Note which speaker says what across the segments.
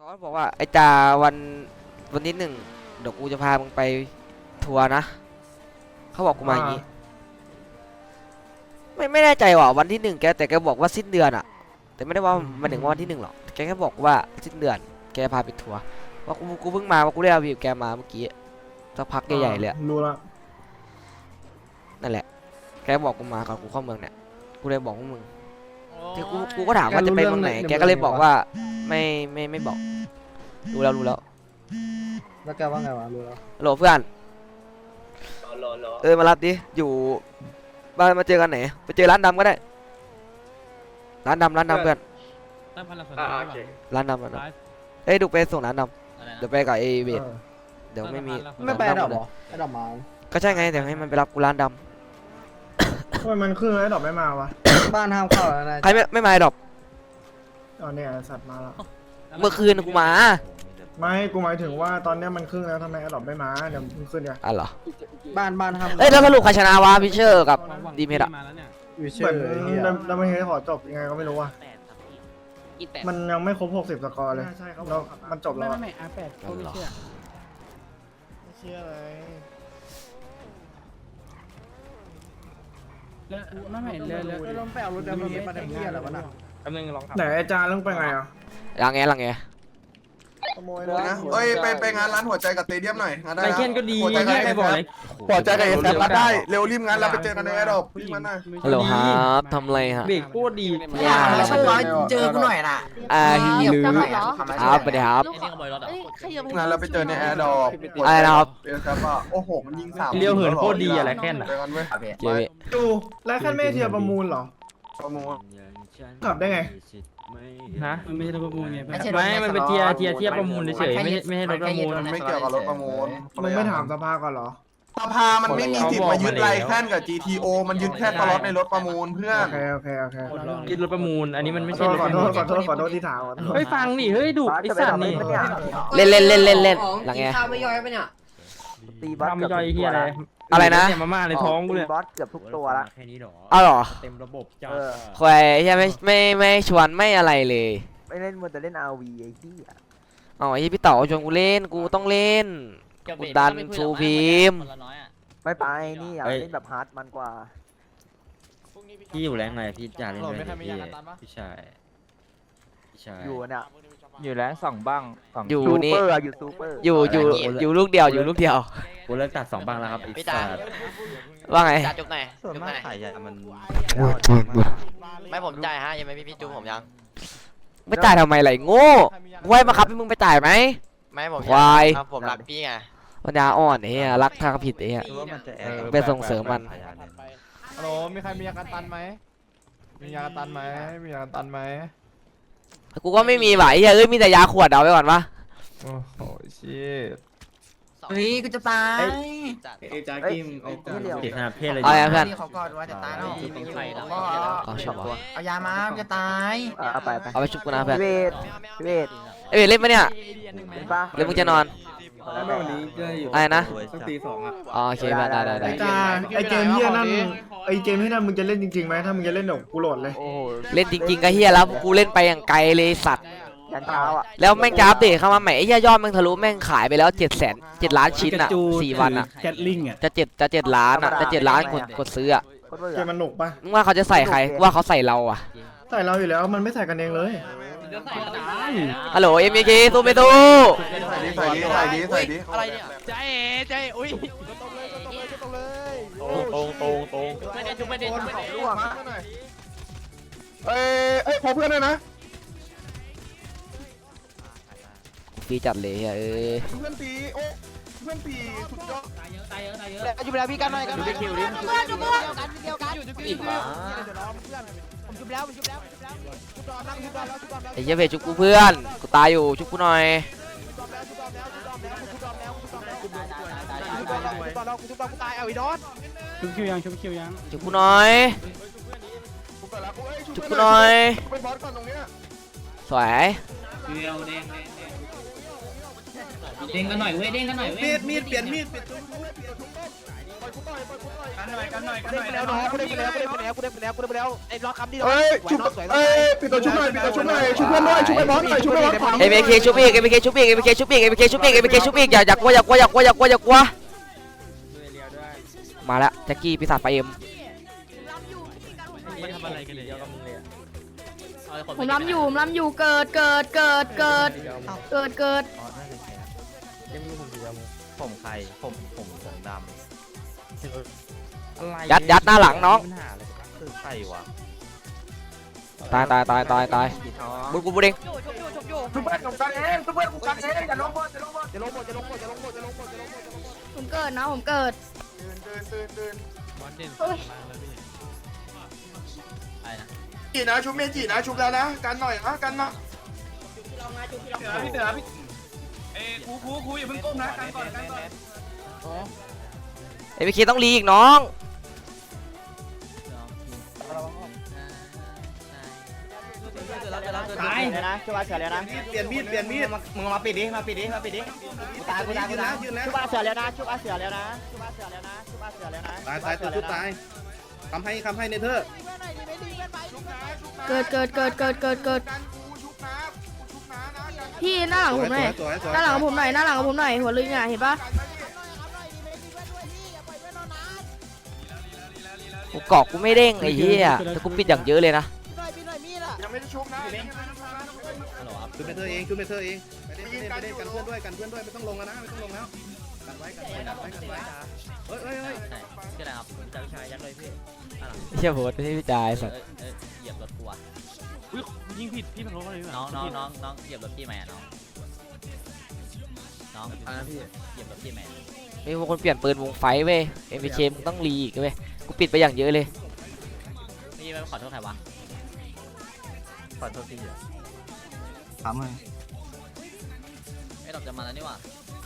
Speaker 1: เขาบอกว่าไอ้จาวันที่1เดี๋ยวกูจะพามึงไปทัวร์นะเขาบอกกูมาอย่างนี้ไม่แน่ใจว่าวันที่1แกแต่แกบอกว่าสิ้นเดือนอะแต่ไม่ได้ว่ามันถึงวันที่1หรอกแกแค่บอกว่าสิ้นเดือนแกพาไปทัวร์ว่ากูเพิ่งมาว่ากูได้เอาวิวแกมาเมื่อกี้สักพักใหญ่ๆเลย
Speaker 2: รู้ละ
Speaker 1: นั่นแหละแกบอกกูมาก่อนกูเข้าเมืองเนี่ยกูเลยบอกพวกมึงที่กูก็ถามว่าจะไปเมืองไหนแกก็เลยบอกว่าไม่บอกรู้แล้ว
Speaker 2: แล้วแกว่าไงวะรู้แล้ว
Speaker 1: โหลเพื่อนมารับดิอยู่บ้านมาเจอกันไหนไปเจอร้านดำก็ได้ร้านดำเพื่อนร้านดำเอ้ยดูไปส่งร้านดำเดี๋ยวไปกับไอเวทเดี๋ยวไม่มี
Speaker 2: ไม่ไปดอกหรอไอดอกมา
Speaker 1: ก็ใช่ไงเดี๋ยวให้มันไปรับกูร้านดำ
Speaker 2: ทำไมมันขึ้นไอดอกไม่มาวะบ้านห้ามเข้าแล้วนะ
Speaker 1: ใครไม่มาไอดอก
Speaker 2: ตอนนี้สัตว์มาแล้ว
Speaker 1: เมื่อคืนกูมา
Speaker 2: ไม่กูหมายถึงว่าตอนนี้มันครึ่งแล้วทำไมไอดอกไม่มาเดี๋ยวมันขึ้นเนี่ย
Speaker 1: เหรอ
Speaker 2: บ้านห้าม
Speaker 1: แล้วสรุปใครชนะวะพิเชอร์กับดีเมดอะ
Speaker 2: เหมือนเราไม่เห็นขอจบยังไงก็ไม่รู้อ่ะมันยังไม่ครบ60สกอร์เลยแล้วมันจบแล้วไม่R8ก็ไม่เชื่ออะไรไม่ลงไปเอารถดำมาได้เหี้ยอะไรวะน่ะกำลังลองทำไหนอาจารย์ต้องไปไงอ่ะ
Speaker 1: ลังไง
Speaker 3: ขโมยนะเอ้ยไปงานร้านหัวใจกับเตเดียมหน่อยงานได้
Speaker 4: ไปเช่นก็ดีใครบอกเลย
Speaker 3: หัวใจกับเอสแอฟได้เร็วรีบงานเราไปเจอกันในแอร์ดรอปรีบมันหน่อย
Speaker 1: ฮัลโหลครับทำไรฮะ
Speaker 4: เบรกโคตรดี
Speaker 5: ไม่ใช่ว่าเจอกูหน่อยน่ะ
Speaker 1: ฮิลือครับไปเดี๋ยวครับ
Speaker 3: งานเราไปเจอในแอร์ดรอป
Speaker 1: อะไรนะครับ
Speaker 3: เอสแอฟโอ้โหมันยิง3
Speaker 4: เลี้ยวเหินโคตรดีอะไรแค่น่ะ
Speaker 2: ดูแล้วแค่ไม่เทียบประมูลหรอ
Speaker 3: ประมูล
Speaker 2: ขับได้ไง
Speaker 4: ฮะมันไม่ใช่รถประมูลไงไม่มันเป็นเทียประมูลเฉยไม่ใช่รถประมูล
Speaker 3: มันไม่เกี่ยวกับรถประมูล
Speaker 2: มึงไม่ถามสภาก่อนเหรอ
Speaker 3: สภามันไม่มีสิทธิ์มายึดไรแค่นกับ GTO มันยึดแค่สล็อตในรถประมูลเพื่อน
Speaker 2: โอเค
Speaker 4: ยึดรถประมูลอันนี้มันไม่ใช่
Speaker 2: ขอโทษที่ถาม
Speaker 4: เฮ้ยฟังนี่เฮ้ยดุไอ้สัตว์นี่
Speaker 1: เล่นหลังไง
Speaker 5: ข้าวไม่ย่อยปะเนี่ย
Speaker 4: ตีบอสไม่ย่อยเฮีย
Speaker 1: อะไรนะ
Speaker 4: มาม่าในท้องกูเลย
Speaker 5: บอสเกือบทุกตัวละ
Speaker 4: แค่นี้หรอ
Speaker 1: อ้าวหรอ
Speaker 4: เต็มระบบจ้า
Speaker 1: ควยใช่ไม่ชวนไม่อะไรเลย
Speaker 5: ไม่เล่นมันจะเล่น RV ไอ้ที่
Speaker 1: อ๋อไอ้พี่เต๋อชวนกูเล่นกูต้องเล่นกูดันฟูพิม
Speaker 5: ไม่ไปนี่อยากเล่นแบบฮาร์ดมันกว่า
Speaker 4: พี่อยู่แรงไงพี่จ่าเล่นเลยพี่ชาย
Speaker 5: อยู่เนี่ย
Speaker 4: อยู่แรง2บ้าง
Speaker 1: อยู่นี่
Speaker 5: อยู่ซูเปอร์
Speaker 1: อยู่ลูกเดียว
Speaker 4: กูเลิกตัด2บ้างแล้วครับ
Speaker 1: พี่ตาว่าไง
Speaker 6: จุกไหน
Speaker 5: ส่วนมาก
Speaker 6: ขายมันไม่ผมจ่ายฮะยังไม่พี่จุกผมยัง
Speaker 1: ไม่จ่ายทำไมไหลโง่ไว้มาครับให้มึงไปจ่ายไหม
Speaker 6: ไม่ผม
Speaker 1: ควาย
Speaker 6: ผมรักพี่ไง
Speaker 1: ปัญญาอ่อนเฮียรักทางผิดเฮียไปส่งเสริมมัน
Speaker 2: ฮัลโหลมีใครมียากันตันไหมมียากันตันไหม
Speaker 1: กูก็ไม่มีไหวเฮ้ยมีแต่ยาขวดเอาไว้ก่อนวะ
Speaker 2: โอ้โหชิต
Speaker 5: เฮ้ยกูจะตาย
Speaker 4: จากิมเด็กขนาดเพศเลย
Speaker 1: เอาเพื่อน
Speaker 5: เขากอดว่าจะตายแล้วเอายามาจะตาย
Speaker 1: เอาไปชุบกูนะเพื่อน
Speaker 5: เวท
Speaker 1: เล่นปะเนี่ยเล่นมึงจะนอนอะไรนะ
Speaker 4: ตี2อ่ะ
Speaker 1: โอเคได้
Speaker 2: ไอเกมเฮียนั่นมึงจะเล่นจริงๆไหมถ้ามึงจะเล่นเดี๋ยวกูโหลดเลย
Speaker 1: เล่นจริงๆก็เฮียแล้วกูเล่นไปอย่างไกลเลยสัตว์
Speaker 5: ยันเช้าอ่ะ
Speaker 1: แล้วแม่งจะอัปเดตเข้ามาใหม่ไอ้ยอดแม่งทะลุแม่งขายไปแล้ว7 ล้านชิ้นอ่ะ4 วันอ่ะ
Speaker 4: แคทลิงอ่ะ
Speaker 1: จะ7 ล้านอ่ะจะ7 ล้านกดซื้ออ่ะ
Speaker 2: เกมมันหนุกปะ
Speaker 1: มึงว่าเขาจะใส่ใครว่าเขาใส่เราอ่ะ
Speaker 2: ใส่เราอยู่แล้วมันไม่ใส่กันเองเลย
Speaker 1: ฮัลโหลMKสู้ไม่สู้
Speaker 3: ใส่ดิ
Speaker 6: อะไรเนี่ยใจอุ้ยตรงไม่ได้จุก
Speaker 3: เอ้ยขอเพื่อนด้วยนะ
Speaker 1: ฟีจัดเลยเอ้ย
Speaker 3: เพื่อนตีสุดยอด
Speaker 6: ตายเยอะอยู่แล้วพี่กันหน่อยกันคิวดิผมชุบแล้ว
Speaker 1: ไอ้เหี้ยเวชุบกูเพื่อนกูตายอยู่ชุบกูหน่อย
Speaker 4: ชุบคิวยังชุบ
Speaker 1: กูหน่อยสวย
Speaker 7: เด้งกันหน่อยเว้ยเด้งกันหน่อยเว้ย
Speaker 2: มีดเปลี่ยนมีด
Speaker 6: กันหน่อยกูได้ไปแล้วน้องกูได้ไปแล้วไอ้ล็อกคำที่เรา
Speaker 3: เอ้ยชุบปิดตัวชุบหน่อยปิดตัวชุบหน่อยชุบเพื่อนด้วยชุบไปบอสหน่อยชุบไปบอสขวา
Speaker 1: เอเบเคชุบอีกเอเบเคชุบอีกเอเบเคชุบอีกเอเบเคชุบอีกเอเบเคชุบอีกอย่ากลัวมาแล้วแจ็คกี้ปีศาจไฟเอ็ม
Speaker 4: มันทำอะไรกันเนี่ยกับมึงเลย
Speaker 8: ผมล้ำอยู่เกิด
Speaker 4: ยังไม่รู้ผมสีดำผมใครผมดำอะไร
Speaker 1: ยัดหน้าหลังน้อง
Speaker 4: ปัญหาอะไรคือใครวะ
Speaker 1: ตายบุญกูเอง
Speaker 3: ชุบเพื่อนกูกันเองชุบเพื่อนกูกันเองอย่าลงบอส
Speaker 8: ผมเกิดนะผมเกิด
Speaker 3: ตื่น
Speaker 4: บอลเด่นแล้วพี่อะไรนะ
Speaker 3: จีนะชุบเมจีนะชุบแล้วนะกันหน่อยนะกันมา
Speaker 2: พี่เต๋อพี่กูอย่าเพิ่งก้มนะกันก่อน
Speaker 1: เอเบเคต้องรีอีกน้อง
Speaker 6: ตายนะช่วยเสือแล้วนะ
Speaker 2: เปลี่ยนมีด
Speaker 6: มึงมาปิดดิกูตายชุบเสือแล้วนะ
Speaker 2: ตายตัวชุดตายคำให้เนเธอร์
Speaker 8: เกิดพี่หน้าหลังผมหน่อยหน้าหลังผมหน่อยหัวลึงอ่ะเห็นปะ
Speaker 1: กูเกาะกูไม่เด้งไอ้เหี้ยแต่กูปิดอย่างเยอะเลยนะ
Speaker 3: ยังไม่ได้ชุบนะ
Speaker 2: ชุดเนเธอร์เองไม่ได้กันเพื่อนด้วยไม่ต้องลงแล้วนะกันไว้เฮ้ย
Speaker 4: ชื่ออะไรครับจ่าวิชายัดเลยพี่
Speaker 1: เชี่ยโหดไม่ใช่พี่จายสัตว์
Speaker 4: เหยียบรถกูอ่ะ
Speaker 6: ยิงผิดพี่มันลงอะไร
Speaker 4: น้องเหยียบรถพี่ไหมอ่ะน้องเหยียบรถพี่ไหม
Speaker 1: มีพวกคนเปลี่ยนปืนวงไฟเว้ยเอ็มพีเคมึงต้องรีอีกเว้ยกูปิดไปอย่างเยอะเลย
Speaker 4: พี่ไม่ขอโทษใครวะขอโทษพี่เหรอ
Speaker 5: ถามเลย
Speaker 4: ไอ้ดอกจะมาแล้วนี่หว่า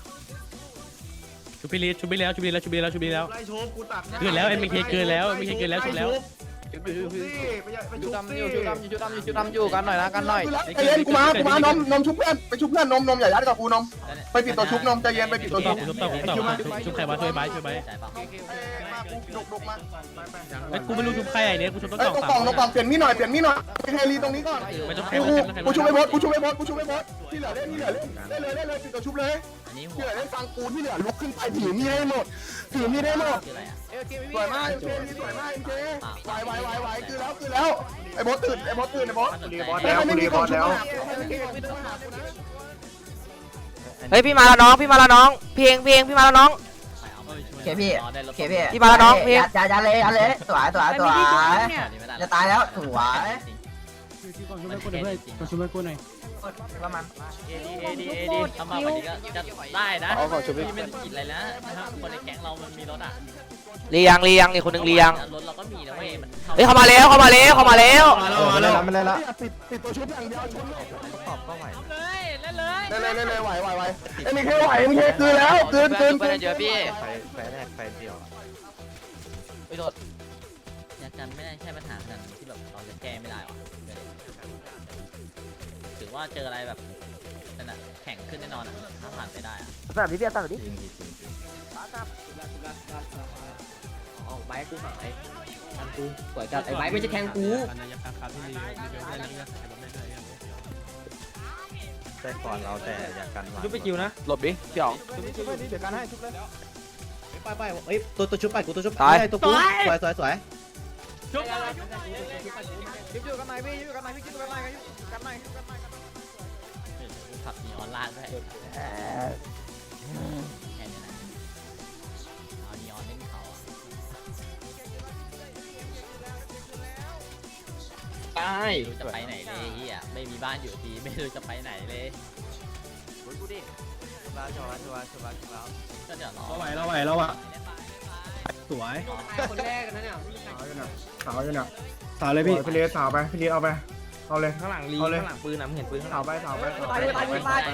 Speaker 6: ชุบไปแล้ว
Speaker 2: ไล่โชบกูตัด
Speaker 6: เกินแล้วเอ็มเคเกินแล้วชุบแล้ว
Speaker 2: ชุดดำอยู่
Speaker 6: กันหน่อยนะกันหน่อย
Speaker 3: ใจเย็นกูมานมชุบเพื่อนไปชุบเพื่อนนมอย่ายัดกับกูนมไปปิดตัวชุบนมใจเย็นไปปิดตัวชุบ
Speaker 6: ชุบใครวะช่วยใบ
Speaker 4: ใจเปล่า
Speaker 3: ดุกมา
Speaker 6: ไอ้กูไม่รู้ชุบใครไอ้เนี่ยกูชุบต้น
Speaker 3: เอ้ย
Speaker 6: กล่อง
Speaker 3: ตรงกล่องเปลี่ยนมีดหน่อยไปเฮลีตรงนี้ก่อน
Speaker 6: ไม่ต้อง
Speaker 3: กูช่วยไปบอสที่เหลือเล่นได้เลยปิดตัวชุบเลย
Speaker 4: อันนี้หั
Speaker 3: ที่
Speaker 4: ว
Speaker 3: เหลือเล่นฟังกูที่เหลือลุกขึ้นไปถือมีดให้หมดถือมีดให้หมด
Speaker 4: คืออะไรอ่ะ
Speaker 3: สวยมากเจสวยมากเจไหวคือแล้วไอ้บอสตื่นไอ้บอส
Speaker 1: เฮ้ยพี่มาแล้วน้องพี่มาแล้วน้องพี่เองพี่มาแล้วน้อง
Speaker 5: เคพี่
Speaker 1: พี่มาแล้วน้องพี่
Speaker 5: อย่าเลยสวยจะตายแล้วสวย ประมาณ
Speaker 4: เอดีทำมาวันนี้ก็ได้นะพี่ไม่ผิดอะไรนะคนในแก๊งเรามันมีรถอ่ะ
Speaker 1: เรียงนี่คนหนึ่งเรียง
Speaker 4: รถเราก็มีนะเว้ยมัน
Speaker 1: เฮ้ยเข้ามาแล้ว
Speaker 3: ไม่เล่นละปิดตัวชุบอย่างเดียวชุบตอบก็ไหวเล่นไหวเอ็มเคไหวเอ็มเคคือแล้วคืน
Speaker 6: เยอะพี่
Speaker 4: ไฟแรกไฟเดียวไปโดดยากันไม่ได้ใช่ปัญหาขนาดที่แบบเราจะแก้ไม่ได้หรอถือว่าเจออะไรแบบนั่นน่ะแข่งขึ้นแน่นอนอ่ะถ้าผ่านไปได้อ่ะ
Speaker 1: แบบนี้พี่ตัดแบบนี้
Speaker 5: ไบกูหายกูสวยจัดไอ้ไบไม่ใช่แทงกู
Speaker 4: แต่ก่อนเราแต่อยากกัน
Speaker 6: ชุบไปคิวนะ
Speaker 2: หลบดิพี่อ๋อง
Speaker 3: เดี๋ยวกันให้ชุบเลย
Speaker 2: ไปเอ้ยตัวชุบไปกูตัวชุบ
Speaker 1: ตาย
Speaker 2: ตัวกูสวย
Speaker 6: ชุบ
Speaker 4: ขับนีออนล่างด้วยแค่นี้นะเอานีออนเล่นเขาไม่รู้จะไปไหนเลยเฮียไม่มีบ้านอยู่ทีไม่รู้จะไปไหนเลยกูดิชัวร์ก็เดี๋ยวรอ
Speaker 2: เราไหวสวย
Speaker 6: คนแรกนะเนี่ย
Speaker 2: สาวอยู่น่ะสาวเลยพี่พี่เลี้ยสาวไปพี่เลี้ยเอาไปเอาเลย
Speaker 4: ข้างหลังปืนนะเห็นปืนข้างห
Speaker 2: สา
Speaker 4: ลั
Speaker 2: ว
Speaker 4: ง
Speaker 2: ไป
Speaker 4: ทำเมื่อไหร่ไว้
Speaker 2: เอา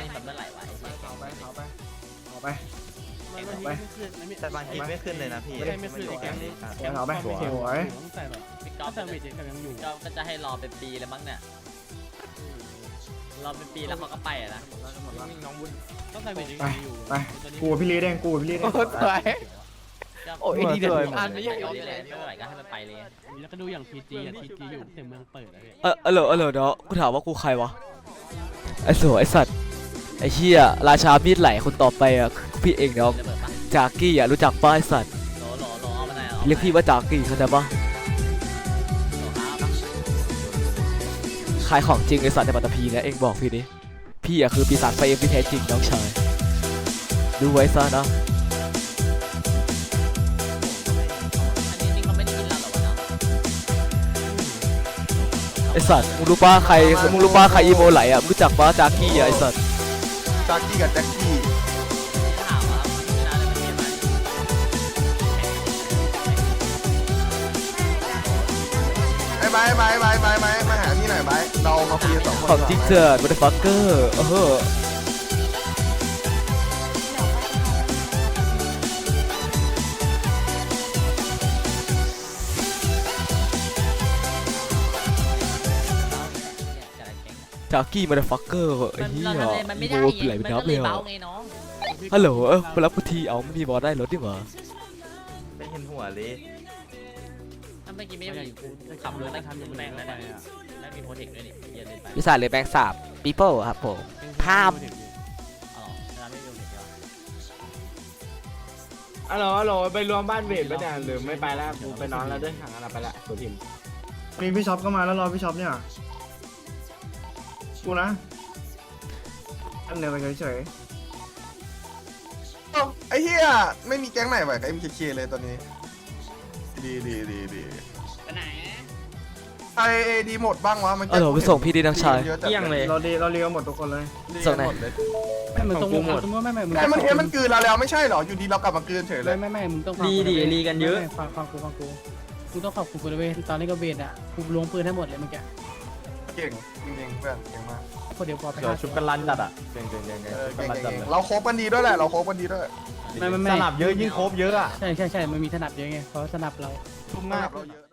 Speaker 2: ไป
Speaker 4: แต่บางทีไม่ขึ้นเลยนะพี่
Speaker 6: ไม่ขึ้นในแก๊งนี้
Speaker 2: เอาไปสวย
Speaker 4: พี่ก๊อฟก็จะให้รอเป็นปีแล้วมั้งเนี่ยรอเป็นปีแล้วเขาก็ไปอ่ะนะ
Speaker 6: น้องบุญ
Speaker 2: ไปกูกับพี่ลีเด้งกูกับพี่ลีเด้ง
Speaker 6: โอ้ยดีเด็ด
Speaker 4: อันไม่อยากเอาเลยไม่ไหวก็ให้มันไปเลย
Speaker 6: แล้วก็ดูอย่างทีจีอยู่ถึงเมืองเปิดเลย
Speaker 1: เหรอเนาะกูถามว่ากูใครวะไอ้โสไอ้สัตว์ไอ้เหี้ยราชามีดไหลคนต่อไปอ่ะพี่เองเนาะจากกี้อ่ะรู้จักป้าไอ้สัตว์
Speaker 4: รอเอามาไหนเอา
Speaker 1: เรียกพี่ว่าจากกี้เข้าใจปะขายของจริงไอ้สัตว์ในปัตตภีนะเองบอกพี่ดิพี่อ่ะคือปีศาจไฟเอ็มที่แท้จริงน้องชายดูไว้ซะนะ
Speaker 4: อันนี้จริงเขาไม่ได้ยินเราหรอวะเนาะ
Speaker 1: ไอ้สัตว์มึงรู้ป้าใครอีโมไหลอ่ะรู้จักป้าจากกี้อ่ะไอ้สัตว์
Speaker 3: จากกี้กับแจ็คกี้
Speaker 4: ถามว่าเวลาเราเรียนมา
Speaker 3: ไอ้ไบมาหาพี่หน่อยไบเรามาคุยกันสองคน
Speaker 1: ของจริงเถอะบัตเตอร์ฟักเกอร์จากกี้บัตเตอร์ฟักเกอร์ไอ้เหี้ย
Speaker 4: มันไม่
Speaker 1: อี
Speaker 4: ได้
Speaker 1: โม
Speaker 4: ไง
Speaker 1: ไหลไป
Speaker 4: มัน
Speaker 1: นั
Speaker 4: ก็
Speaker 1: บ
Speaker 4: เล
Speaker 1: เลย ย
Speaker 4: เบา
Speaker 1: อ่ะ
Speaker 4: ไงน้อง
Speaker 1: ฮัลโหลมารับกูทีเอาไม่มีบอลได้รถดิวะ
Speaker 5: ไม่เห็นหัวเลย
Speaker 4: ถ้าเมื่อกี้ไม่ได้กูขับรถได้แม่งแล้วเนี่ยแล้วมีโปรเทคด้วยนี่เย็นเลยไป
Speaker 1: วิสาเลยแบงค์3 people ครับผมภาพ
Speaker 4: อ๋อเวลาไม่มีโปรเทคแล้ว
Speaker 6: ฮัลโหลไปรวมบ้านเวทไปเนี่ยหรือไม่ไปแล้วกูไปนอนแล้วด้วยห่างกันไปละตัวทีม
Speaker 2: มีพี่ช็อปก็มาแล้วรอพี่ช็อปเนี่ยกูนะอันเดียวกันเฉย
Speaker 3: ไอ้เหี้ยไม่มีแก๊งไหนไหวกับ MKK เลยตอนนี้ดีไอดีหมดบ้างวะมัน
Speaker 1: ฮัลโหลไปส่งพี่ดิน้องชาย
Speaker 3: เที่ยงเลย
Speaker 2: ๆเราเรียกหมดทุกคนเลย
Speaker 1: ส่งไหน
Speaker 6: ไม่มึงต้องหมดไม่มึง
Speaker 3: แต่มันเห็นมันกลืนเราแล้วไม่ใช่เหรออยู่ดีเรากลับมากลืนเฉยเลย
Speaker 6: ไม่มึงต้องรีกันเยอะฟังกูกูต้องขอบคุณกูเลยตอนนี้ก็เวทอ่ะกูลงปืนให้หมดเลยเมื่อกี้
Speaker 3: เก่งจริงๆเพื่อนเก่งมาก
Speaker 6: พอเดี๋ยวพอไป
Speaker 5: ชุบกันรันจัดอ่ะเก่ง
Speaker 3: เก่งเราโคบกันดีด้วยแหละเราโคบกันดีด้วย
Speaker 6: ไม่
Speaker 5: สนับเยอะยิ่งครบเยอะอ่ะ
Speaker 6: ใช่มันมีถนัดเยอะไงเพราะถนัดเรา
Speaker 3: ทุ่มหน้าเราเยอะ